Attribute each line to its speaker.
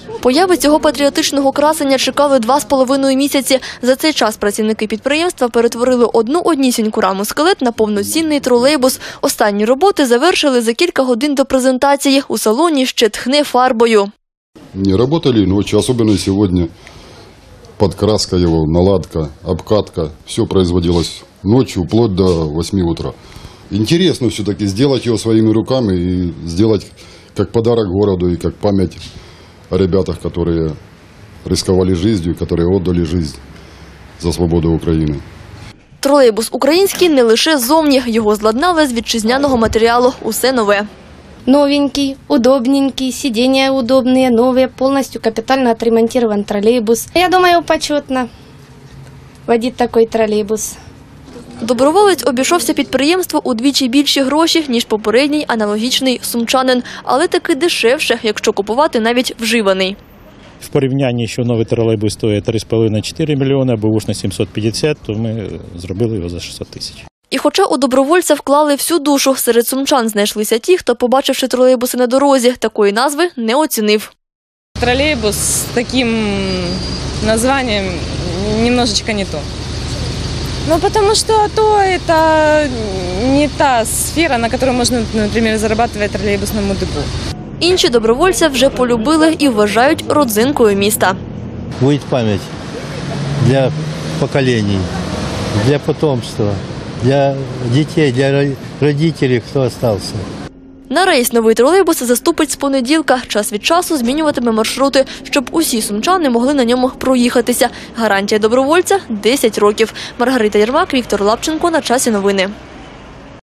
Speaker 1: Появи цього патріотичного красення чекали 2,5 місяці. За цей час працівники підприємства перетворили одну однісіньку раму скелет на повноцінний тролейбус. Останні роботи завершили за кілька годин до презентації. У салоні ще тхне фарбою.
Speaker 2: Не работали ночью, особенно сегодня. Подкраска его, наладка, обкатка. Все производилось ночью, вплоть до 8 утра. Интересно все-таки сделать его своими руками и сделать как подарок городу и как память о ребятах, которые рисковали жизнью, которые отдали жизнь за свободу України.
Speaker 1: Тролейбус український не лише ззовні. Його зладнали з вітчизняного матеріалу. Усе нове.
Speaker 3: Новенький, удобненький, сиденья удобные, новые, полностью капитально отремонтирован троллейбус. Я думаю, почетно водить такой троллейбус.
Speaker 1: Доброволець обійшовся підприємству удвічі більші гроші, ніж попередній аналогічний сумчанин. Але таки дешевше, якщо купувати навіть вживаний.
Speaker 4: В порівнянні, що новий тролейбус стоїть 3,5-4 мільйони, бушний 750, то ми зробили його за 600 тисяч.
Speaker 1: І хоча у добровольця вклали всю душу, серед сумчан знайшлися ті, хто, побачивши тролейбуси на дорозі, такої назви не оцінив.
Speaker 5: Троллейбус с таким названием немножечко не то. Ну, потому что это не та сфера, на которой можно, например, зарабатывать троллейбусному депо.
Speaker 1: Інші добровольця вже полюбили і вважають родзинкою міста.
Speaker 6: Будет память для поколений, для потомства, для детей, для родителей, кто остался.
Speaker 1: На рейс новий тролейбус заступить з понеділка. Час від часу змінюватиме маршрути, щоб усі сумчани могли на ньому проїхатися. Гарантія добровольця – 10 років. Маргарита Єрмак, Віктор Лапченко. На часі новини.